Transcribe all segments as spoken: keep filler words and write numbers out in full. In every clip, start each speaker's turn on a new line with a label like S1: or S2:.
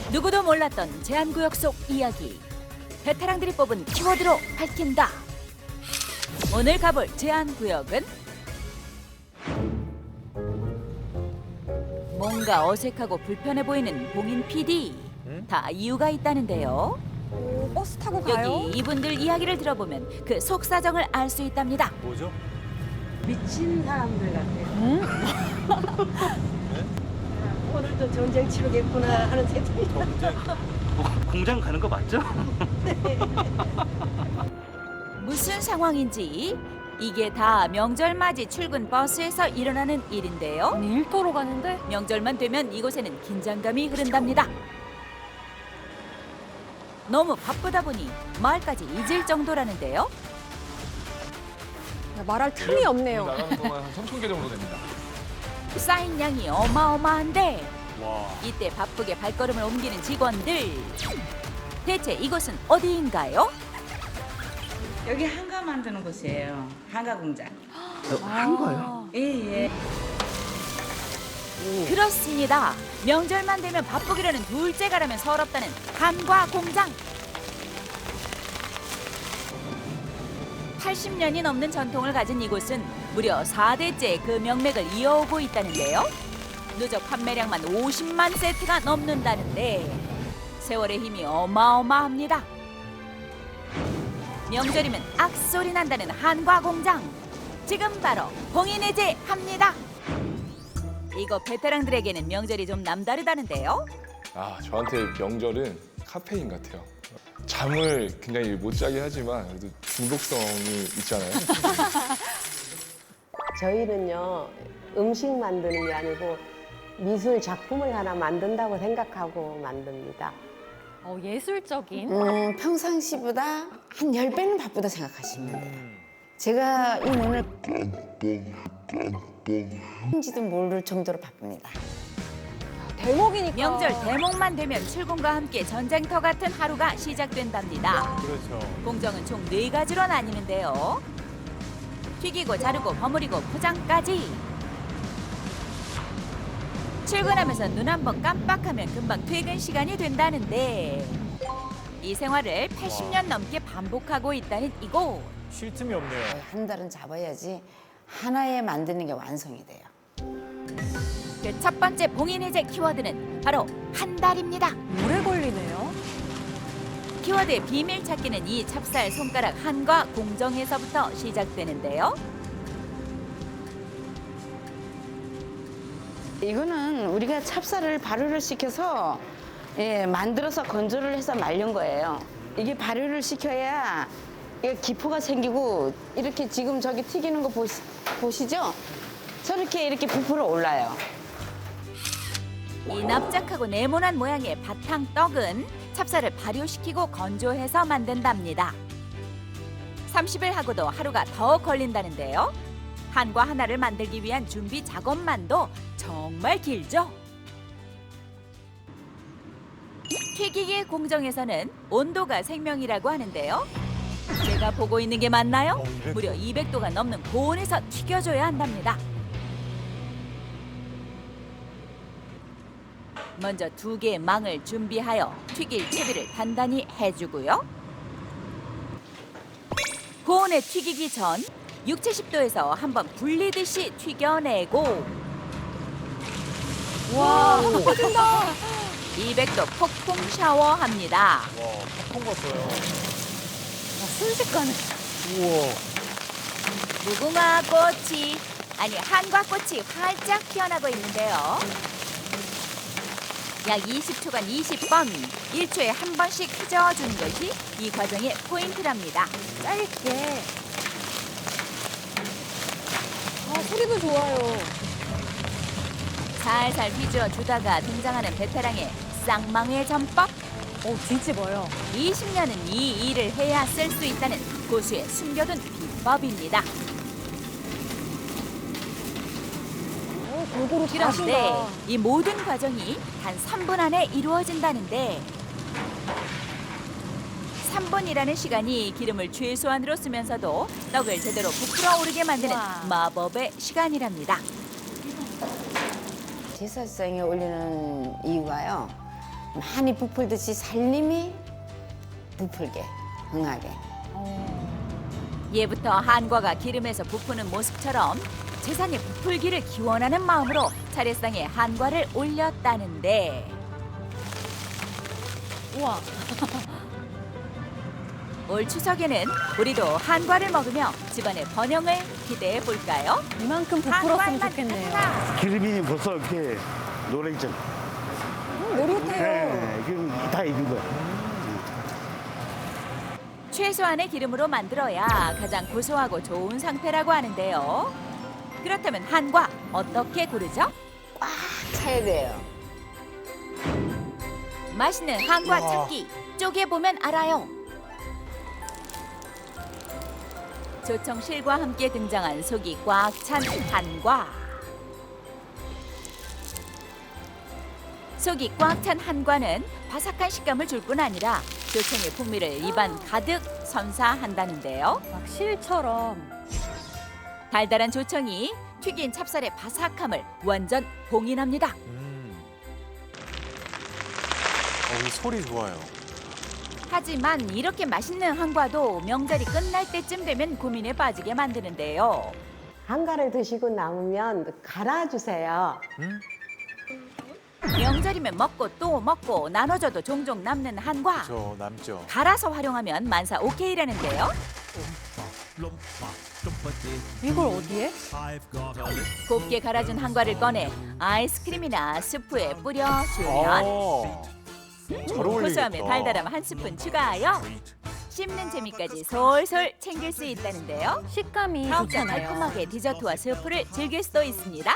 S1: 누구도 몰랐던 제한구역 속 이야기. 베테랑들이 뽑은 키워드로 밝힌다. 오늘 가볼 제한구역은 뭔가 어색하고 불편해 보이는 봉인 피디. 다 이유가 있다는데요.
S2: 오, 버스 타고 가요?
S1: 여기 이분들 이야기를 들어보면 그 속사정을 알 수 있답니다.
S3: 뭐죠?
S4: 미친 사람들 같아요. 오늘도 전쟁 치르겠구나 하는 생각이
S3: 전쟁. 뭐, 공장 가는 거 맞죠?
S1: 무슨 상황인지 이게 다 명절 맞이 출근 버스에서 일어나는 일인데요.
S2: 아니, 일터로 가는데?
S1: 명절만 되면 이곳에는 긴장감이 흐른답니다. 너무 바쁘다 보니 말까지 잊을 정도라는데요.
S2: 야, 말할 틈이 없네요.
S5: 나가는 동안 한 삼천 개 정도 됩니다.
S1: 쌓인 양이 어마어마한데
S3: 와.
S1: 이때 바쁘게 발걸음을 옮기는 직원들. 대체 이곳은 어디인가요?
S6: 여기 한가 만드는 곳이에요. 한가 공장.
S3: 한 거요?
S6: 예, 예.
S1: 그렇습니다. 명절만 되면 바쁘기라는 둘째가라면 서럽다는 한과 공장. 팔십 년이 넘는 전통을 가진 이곳은 무려 사 대째 그 명맥을 이어오고 있다는데요. 누적 판매량만 오십만 세트가 넘는다는데 세월의 힘이 어마어마합니다. 명절이면 악소리 난다는 한과 공장. 지금 바로 봉인해제합니다. 이거 베테랑들에게는 명절이 좀 남다르다는데요.
S5: 아, 저한테 명절은 카페인 같아요. 잠을 굉장히 못 자게 하지만 그래도 중독성이 있잖아요.
S4: 저희는요 음식 만드는 게 아니고 미술 작품을 하나 만든다고 생각하고 만듭니다.
S2: 어, 예술적인?
S7: 음, 평상시보다 한 열 배는 바쁘다 생각하시면 돼요. 제가 이 눈을 인지도 모를 정도로 바쁩니다.
S2: 대목이니까.
S1: 명절 대목만 되면 출근과 함께 전쟁터 같은 하루가 시작된답니다.
S3: 그렇죠.
S1: 공정은 총 네 가지로 나뉘는데요. 튀기고 자르고 버무리고 포장까지. 출근하면서 눈 한 번 깜빡하면 금방 퇴근 시간이 된다는데 이 생활을 팔십 년 넘게 반복하고 있다는 이곳.
S3: 쉴 틈이 없네요.
S7: 한 달은 잡아야지 하나에 만드는 게 완성이 돼요.
S1: 그 첫 번째 봉인 해제 키워드는 바로 한 달입니다.
S2: 오래 걸리네요.
S1: 키워드의 비밀 찾기는 이 찹쌀 손가락 한과 공정에서부터 시작되는데요.
S7: 이거는 우리가 찹쌀을 발효를 시켜서 예, 만들어서 건조를 해서 말린 거예요. 이게 발효를 시켜야 이게 기포가 생기고 이렇게 지금 저기 튀기는 거 보시, 보시죠? 저렇게 이렇게 부풀어 올라요.
S1: 이 납작하고 네모난 모양의 바탕 떡은 찹쌀을 발효시키고 건조해서 만든답니다. 삼십 일 하고도 하루가 더 걸린다는데요. 한과 하나를 만들기 위한 준비 작업만도 정말 길죠. 튀기기 공정에서는 온도가 생명이라고 하는데요. 제가 보고 있는 게 맞나요? 무려 이백 도가 넘는 고온에서 튀겨줘야 한답니다. 먼저 두 개의 망을 준비하여 튀길 채비를 단단히 해주고요. 고온에 튀기기 전 육십, 칠십 도에서 한번 불리듯이 튀겨내고
S2: 와, 터진다.
S1: 이백 도 폭풍 샤워합니다.
S3: 와, 팝콘 같아요.
S2: 순식간에.
S3: 우와.
S1: 무궁화 꽃이 아니 한과 꽃이 활짝 피어나고 있는데요. 약 이십 초간 이십 번, 일 초에 한 번씩 휘저어주는 것이 이 과정의 포인트랍니다.
S2: 짧게. 아, 소리도 좋아요.
S1: 살살 휘저어 주다가 등장하는 베테랑의 쌍망의 전법.
S2: 어, 뒤집어요.
S1: 이십 년은 이 일을 해야 쓸 수 있다는 고수의 숨겨둔 비법입니다.
S2: 어, 골고루
S1: 그런데
S2: 잘하신다.
S1: 이 모든 과정이 단 삼 분 안에 이루어진다는데 삼 분이라는 시간이 기름을 최소한으로 쓰면서도 떡을 제대로 부풀어 오르게 만드는
S2: 우와.
S1: 마법의 시간이랍니다.
S7: 제사상에 올리는 이유가요. 많이 부풀듯이 살림이 부풀게, 흥하게.
S1: 예부터 한과가 기름에서 부푸는 모습처럼 재산의 부풀기를 기원하는 마음으로 차례상에 한과를 올렸다는데
S2: 우와.
S1: 올 추석에는 우리도 한과를 먹으며 집안의 번영을 기대해 볼까요?
S2: 이만큼 부풀었으면 좋겠네요.
S8: 기름이 벌써 이렇게 노래죠.
S2: 음, 노릇해요.
S8: 네, 기름 다 익은 거야.
S1: 최소한의 기름으로 만들어야 가장 고소하고 좋은 상태라고 하는데요. 그렇다면 한과 어떻게 고르죠?
S7: 꽉 차야 돼요.
S1: 맛있는 한과
S3: 우와.
S1: 찾기 쪼개보면 알아요. 조청실과 함께 등장한 속이 꽉 찬 한과. 속이 꽉 찬 한과는 바삭한 식감을 줄 뿐 아니라 조청의 풍미를 입안 가득 선사한다는데요.
S2: 막 실처럼.
S1: 달달한 조청이 튀긴 찹쌀의 바삭함을 완전 봉인합니다.
S3: 음. 어, 이 소리 좋아요.
S1: 하지만 이렇게 맛있는 한과도 명절이 끝날 때쯤 되면 고민에 빠지게 만드는데요.
S4: 한가를 드시고 남으면 갈아주세요.
S3: 음?
S1: 명절이면 먹고 또 먹고 나눠줘도 종종 남는 한과.
S3: 저 남죠.
S1: 갈아서 활용하면 만사 오케이라는데요.
S2: 이걸 어디에?
S1: 곱게 갈아준 한과를 꺼내 아이스크림이나 스프에 뿌려주면
S3: 어. 잘 어울리겠다.
S1: 고소함에 달달함 한 스푼 추가하여 씹는 재미까지 솔솔 챙길 수 있다는데요.
S2: 식감이
S1: 더욱더
S2: 좋잖아요.
S1: 달콤하게 디저트와 스프를 즐길 수도 있습니다.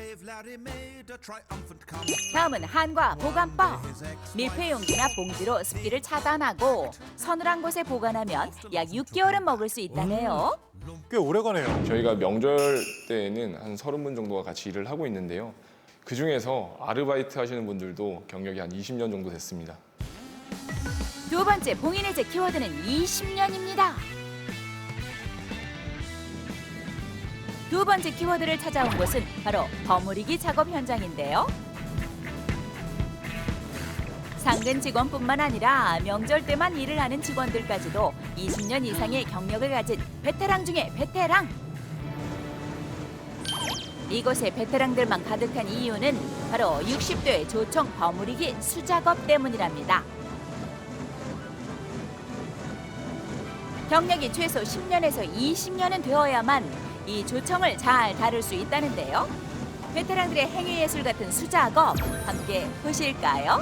S1: 다음은 한과 보관법. 밀폐 용기나 봉지로 습기를 차단하고 서늘한 곳에 보관하면 약 육 개월은 먹을 수 있다네요.
S3: 꽤 오래 가네요.
S5: 저희가 명절 때에는 한 서른 분 정도가 같이 일을 하고 있는데요. 그 중에서 아르바이트 하시는 분들도 경력이 한 이십 년 정도 됐습니다.
S1: 두 번째 봉인의 제 키워드는 이십 년입니다. 두 번째 키워드를 찾아온 곳은 바로 버무리기 작업 현장인데요. 상근 직원뿐만 아니라 명절 때만 일을 하는 직원들까지도 이십 년 이상의 경력을 가진 베테랑 중에 베테랑. 이곳에 베테랑들만 가득한 이유는 바로 육십 도의 조청 버무리기 수작업 때문이랍니다. 경력이 최소 십 년에서 이십 년은 되어야만 이 조청을 잘 다룰 수 있다는데요. 베테랑들의 행위예술 같은 수작업 함께 보실까요?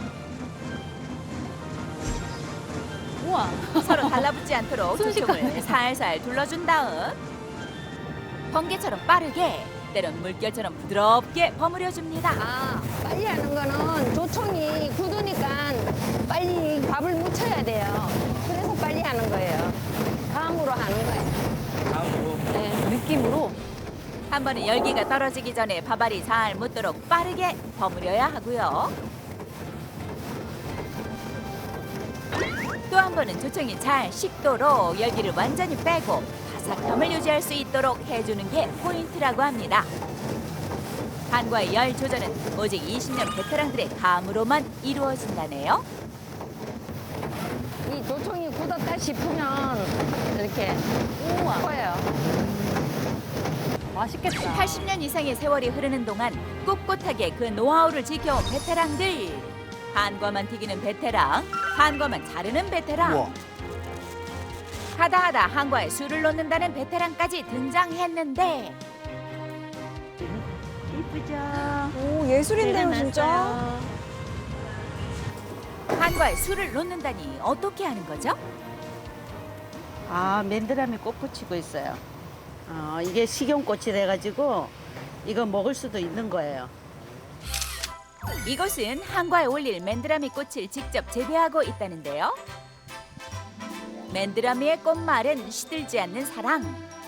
S2: 우와.
S1: 서로 달라붙지 않도록
S2: 순식간에.
S1: 조청을 살살 둘러준 다음 번개처럼 빠르게 때론 물결처럼 부드럽게 버무려줍니다.
S7: 아, 빨리 하는 거는 조청이 굳으니까 빨리 밥을 묻혀야 돼요. 그래서 빨리 하는 거예요. 감으로 하는 거예요. 감으로? 네.
S2: 느낌으로.
S1: 한 번은 열기가 떨어지기 전에 밥알이 잘 묻도록 빠르게 버무려야 하고요. 또 한 번은 조청이 잘 식도록 열기를 완전히 빼고 바삭함을 유지할 수 있도록 해주는 게 포인트라고 합니다. 한과의 열 조절은 오직 이십 년 베테랑들의 감으로만 이루어진다네요.
S7: 이 조청이 굳었다 싶으면 이렇게
S2: 우와.
S7: 커요.
S2: 맛있겠다.
S1: 팔십 년 이상의 세월이 흐르는 동안 꿋꿋하게 그 노하우를 지켜온 베테랑들. 한과만 튀기는 베테랑, 한과만 자르는 베테랑.
S3: 우와.
S1: 하다하다 한과에 술을 넣는다는 베테랑까지 등장했는데
S2: 오, 예술인데요, 진짜.
S1: 한과에 술을 넣는다니 어떻게 하는 거죠?
S9: 아, 맨드라미 꽃 붙이고 있어요. 어, 이게 식용꽃이 돼가지고 이거 먹을 수도 있는 거예요.
S1: 이곳은 한과에 올릴 맨드라미 꽃을 직접 재배하고 있다는데요. 맨드라미의 꽃말은 시들지 않는 사랑.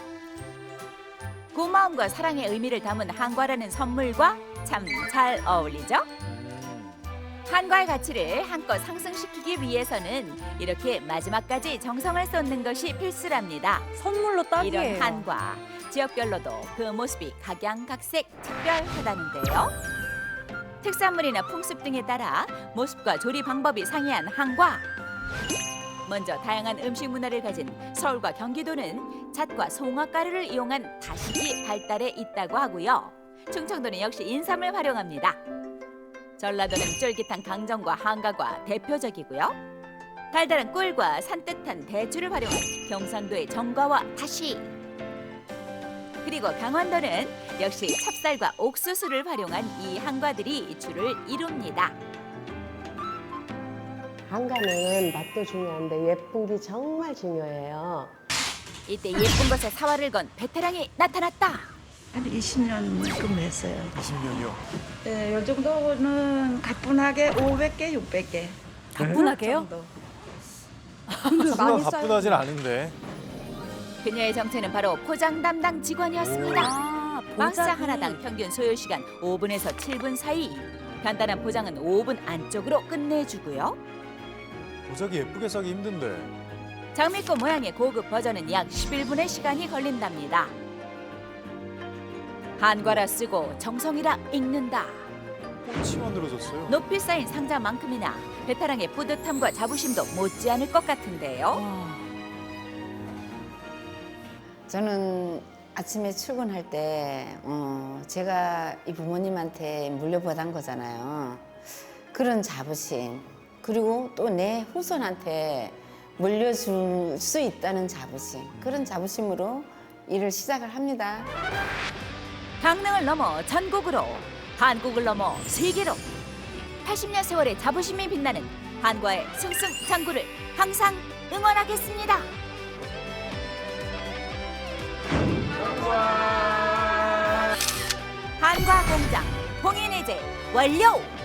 S1: 고마움과 사랑의 의미를 담은 한과라는 선물과 참 잘 어울리죠? 한과의 가치를 한껏 상승시키기 위해서는 이렇게 마지막까지 정성을 쏟는 것이 필수랍니다.
S2: 선물로 딱이에요.
S1: 이런 한과, 지역별로도 그 모습이 각양각색 특별하다는데요. 특산물이나 풍습 등에 따라 모습과 조리 방법이 상이한 한과. 먼저 다양한 음식 문화를 가진 서울과 경기도는 잣과 송화가루를 이용한 다식이 발달해 있다고 하고요. 충청도는 역시 인삼을 활용합니다. 전라도는 쫄깃한 강정과 한가가 대표적이고요. 달달한 꿀과 산뜻한 대추를 활용한 경상도의 정과와 다시. 그리고 강원도는 역시 찹쌀과 옥수수를 활용한 이 한과들이 주를 이룹니다.
S4: 한가는 맛도 중요한데 예쁜 게 정말 중요해요.
S1: 이때 예쁜 것에 사활을 건 베테랑이 나타났다.
S9: 한 이십 년 근무했어요.
S3: 이십 년이요.
S6: 네, 요 정도는 가뿐하게 오백 개, 육백 개.
S2: 가뿐하게요?
S6: 정도.
S3: 수가 가뿐하진 않은데.
S1: 그녀의 정체는 바로 포장 담당 직원이었습니다.
S2: 아,
S1: 박스
S2: 보자기.
S1: 하나당 평균 소요 시간 오 분에서 칠 분 사이. 간단한 포장은 오 분 안쪽으로 끝내주고요.
S3: 보자기 예쁘게 싸기 힘든데.
S1: 장미꽃 모양의 고급 버전은 약 십일 분의 시간이 걸린답니다. 한과라 쓰고 정성이라 읽는다.
S3: 꽃이 만들어졌어요.
S1: 높이 쌓인 상자만큼이나 베테랑의 뿌듯함과 자부심도 못지않을 것 같은데요.
S7: 저는 아침에 출근할 때 어, 제가 이 부모님한테 물려받은 거잖아요. 그런 자부심 그리고 또 내 후손한테 물려줄 수 있다는 자부심 그런 자부심으로 일을 시작을 합니다.
S1: 강릉을 넘어 전국으로, 한국을 넘어 세계로 팔십 년 세월의 자부심이 빛나는 한과의 승승장구를 항상 응원하겠습니다. 한과 공장 봉인해제 완료!